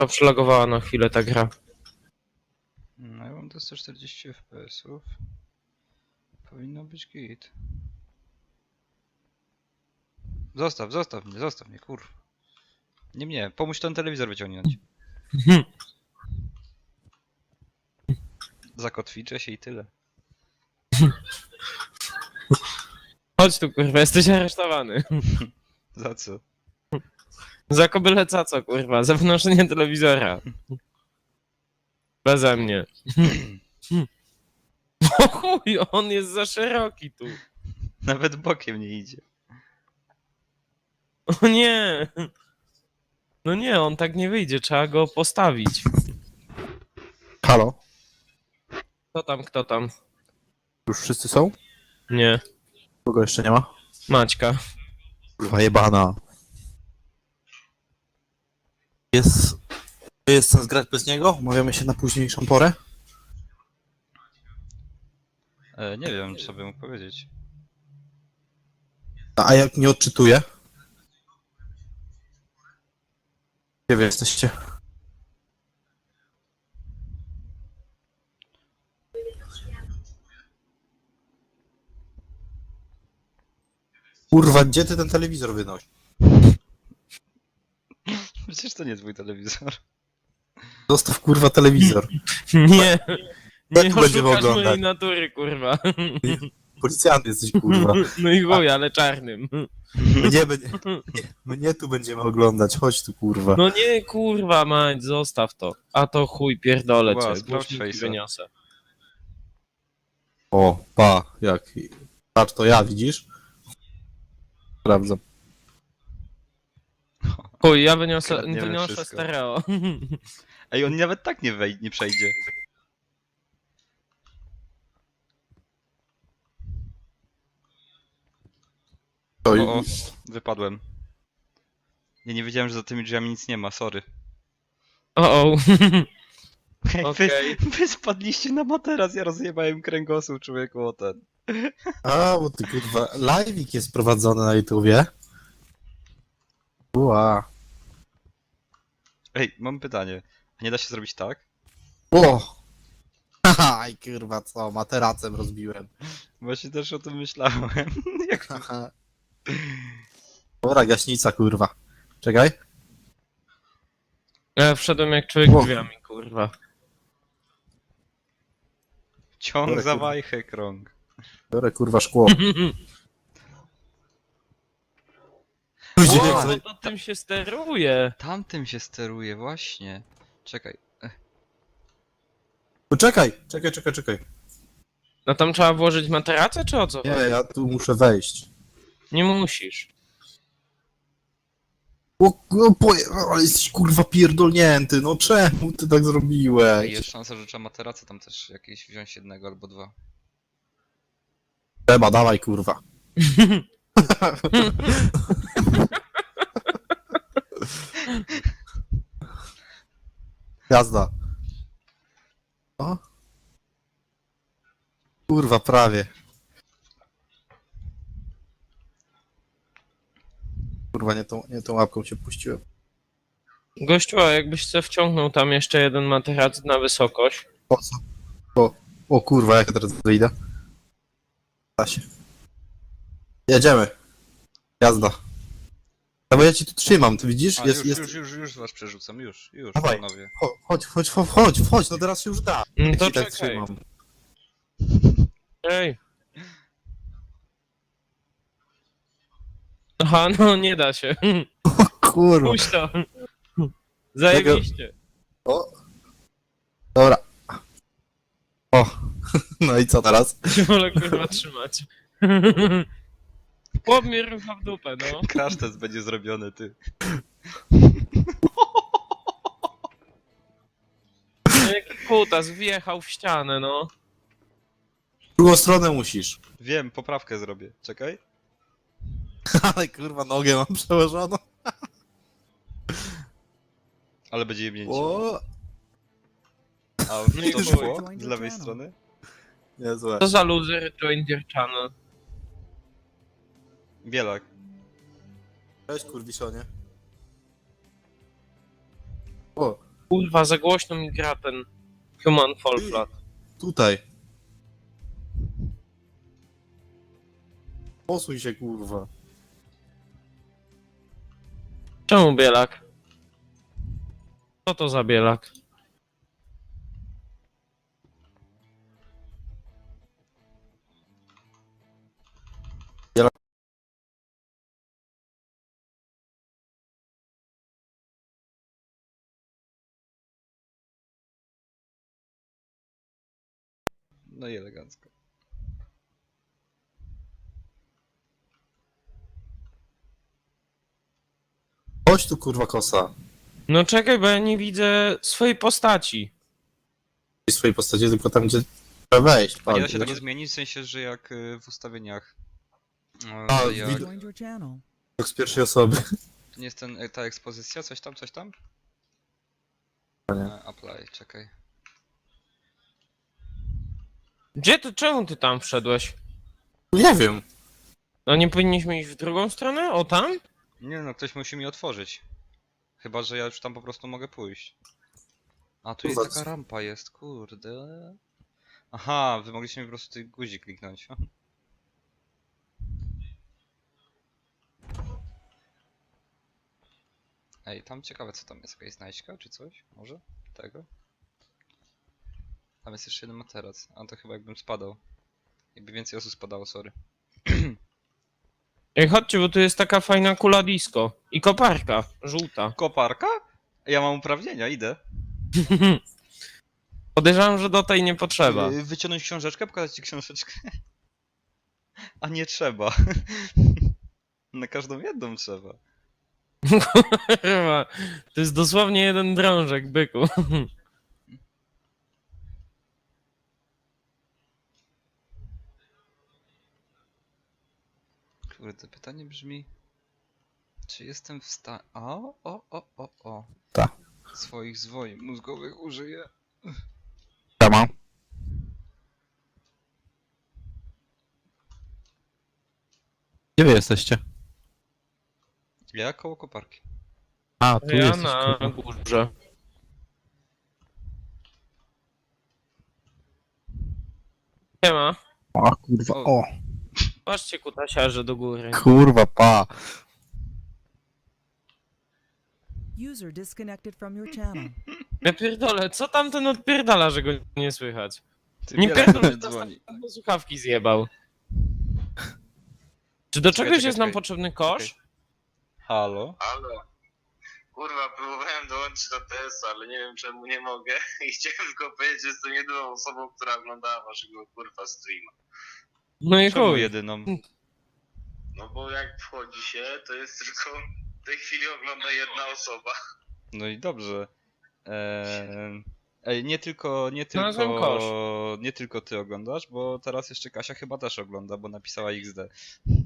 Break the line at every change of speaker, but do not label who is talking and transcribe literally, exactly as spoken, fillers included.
To przelogowała na chwilę ta gra.
No ja mam do sto czterdzieści F P S-ów. Powinno być git. Zostaw, zostaw mnie, zostaw mnie, kurwa. Nie mnie, pomóż ten telewizor wyciągnąć. Zakotwiczę się i tyle.
Chodź tu, kurwa, jesteś aresztowany.
Za co?
Za kobyle caco, kurwa, za wnoszenie telewizora. Beze mnie. O chuj, on jest za szeroki tu.
Nawet bokiem nie idzie.
O nie. No nie, on tak nie wyjdzie, trzeba go postawić.
Halo?
Kto tam, kto tam?
Już wszyscy są?
Nie.
Kogo jeszcze nie ma?
Maćka.
Kurwa jebana. Jest... Jest sens grać bez niego? Umawiamy się na późniejszą porę?
E, nie wiem, co bym mógł powiedzieć.
A a jak nie odczytuję? Gdzie wy jesteście? Kurwa, gdzie ty ten telewizor wynosi?
Przecież to nie twój telewizor.
Zostaw kurwa telewizor.
Nie. Nie
tu będziemy
oszukasz
oglądać?
mojej natury, kurwa.
Policjant jesteś kurwa.
No i chuj, ale czarnym.
Mnie, będzie, mnie tu będziemy oglądać, chodź tu kurwa.
No nie, kurwa, mać, zostaw to. A to chuj, pierdolę
Ła,
cię.
sprawdź
Głośniki
face'a.
wyniosę.
O, pa, jak. Patrz, to ja, widzisz? Sprawdzam.
Chuj, ja wyniosę,
Kradniemy
wyniosę
wszystko.
stereo.
Ej, on nawet tak nie wejdzie, nie przejdzie.
To
O, o, wypadłem. Nie, nie wiedziałem, że za tymi drzwiami nic nie ma, sorry.
O, o.
Ej,
Okej.
wy, wy spadliście na materac, ja rozjebałem kręgosłup człowieku o ten.
A, bo ty kurwa, live'ik jest prowadzony na YouTubie. Ua.
Ej, mam pytanie. A nie da się zrobić tak?
O! Haha, i kurwa co, materacem rozbiłem.
Właśnie też o tym myślałem. Jak...
Haha. Dobra, gaśnica kurwa. Czekaj.
Ja wszedłem jak człowiek
O.
drzwiami, kurwa.
Ciąg
Dobra,
za
kurwa.
wajchę, krąg.
Biorę kurwa szkło. Ludzie,
O,
jak
no
sobie-
to tym się steruje.
Tamtym się steruje, właśnie. Czekaj. Ech,
Poczekaj, czekaj, czekaj, czekaj.
No tam trzeba włożyć materacę, czy o co?
Nie, ja tu muszę wejść.
Nie musisz.
O, o, poje... ale jesteś kurwa pierdolnięty, no czemu ty tak
Ej,
zrobiłeś?
jest szansa, że trzeba materacę tam też jakieś wziąć jednego albo dwa.
Trzeba, dawaj kurwa. Jazda. O? Kurwa, prawie. Kurwa, nie tą, nie tą łapką się puściłem.
Gościu, a jakbyś se wciągnął tam jeszcze jeden materac na wysokość.
Po co? O, o kurwa, jak ja teraz wyjdę? Da się. Jedziemy. Jazda. No bo ja ci tu trzymam, ty widzisz?
A,
jest,
już,
jest...
już, już, już was przerzucam, już, już,
Dawaj.
panowie.
Cho- Chodź, chodź, chodź, chodź, chodź, no teraz się już da.
No
Jak
to
ci tak
czekaj.
trzymam.
Ej. Aha, no nie da się.
Kurwa.
Puść to. Zajebiście.
O. Dobra. O. No i co teraz?
Się wolę kurwa trzymać. Chłop mnie rucha w dupę, no.
Crash test będzie zrobiony, ty.
Jaki kutas wjechał w ścianę, no.
W drugą stronę musisz.
Wiem, poprawkę zrobię. Czekaj.
Ale kurwa, nogę mam przełożoną.
Ale będzie jebnięcie.
O.
A
No i
to
chuj.
szło z lewej strony?
Niezłe.
Co za loser join your channel.
Bielak.
Cześć kurwiszonie. O.
Kurwa, za głośno mi gra ten Human Fall Flat.
Tutaj. Posuń się, kurwa.
Czemu bielak? Co to za bielak?
No i elegancko.
Chodź tu, kurwa, kosa.
No czekaj, bo ja nie widzę swojej postaci.
W swojej postaci, tylko tam, gdzie trzeba wejść.
A nie da
Patrz,
się tego
wiesz?
zmienić, w sensie, że jak y, w ustawieniach. e,
A,
jak,
widok-
Joined your channel.
Jak z pierwszej osoby.
to nie jest ten, e, ta ekspozycja, coś tam, coś tam?
Nie.
E, apply, czekaj.
Gdzie ty, czemu ty tam wszedłeś?
Nie wiem.
No nie powinniśmy iść w drugą stronę? O tam?
Nie no, ktoś musi mi otworzyć. Chyba, że ja już tam po prostu mogę pójść. A, tu jest
Kurwa,
taka
co-
rampa jest, kurde. Aha, wy mogliście mi po prostu ten guzik kliknąć. Ej, tam ciekawe co tam jest, jakaś znajdźka czy coś? Może? Tego? Tam jest jeszcze jeden materac, a to chyba jakbym spadał. Jakby więcej osób spadało, sorry.
Ej, chodźcie, bo tu jest taka fajna kula disco. I koparka, żółta.
Koparka? Ja mam uprawnienia, idę.
Podejrzewam, że do tej nie potrzeba.
Yy, Wyciągnąć książeczkę, pokazać ci książeczkę. A nie trzeba. Na każdą jedną trzeba.
Kurwa, to jest dosłownie jeden drążek, byku.
Kurde, pytanie brzmi... Czy jestem w stanie... O, o, o, o, o.
Ta.
Swoich zwoi mózgowych użyję.
Siema. Gdzie wy jesteście?
Ja koło koparki.
A, tu
Ja
jesteś,
na
kurwa.
górze. Siema.
O, kurwa,
O.
o.
Patrzcie kutasiarze do góry.
Kurwa, pa.
User disconnected from your channel.
Ja pierdolę, co tamten odpierdala, że go nie słychać?
Ty
Nie
wiele
pierdolę,
do mnie dzwoni.
do słuchawki zjebał. Czy do
Czekaj,
czegoś
czekaj,
jest nam
czekaj.
potrzebny kosz?
Halo?
Halo. Kurwa, próbowałem dołączyć do T S, ale nie wiem czemu nie mogę. I chciałem tylko powiedzieć, że jestem jedyną osobą, która oglądała waszego kurwa streama.
No i
Czemu
chuj.
jedyną?
No bo jak wchodzi się, to jest tylko w tej chwili ogląda jedna osoba.
No i dobrze. Eee... Ej, nie tylko, nie
Znalazłem
tylko, nie tylko ty oglądasz, bo teraz jeszcze Kasia chyba też ogląda, bo napisała X D.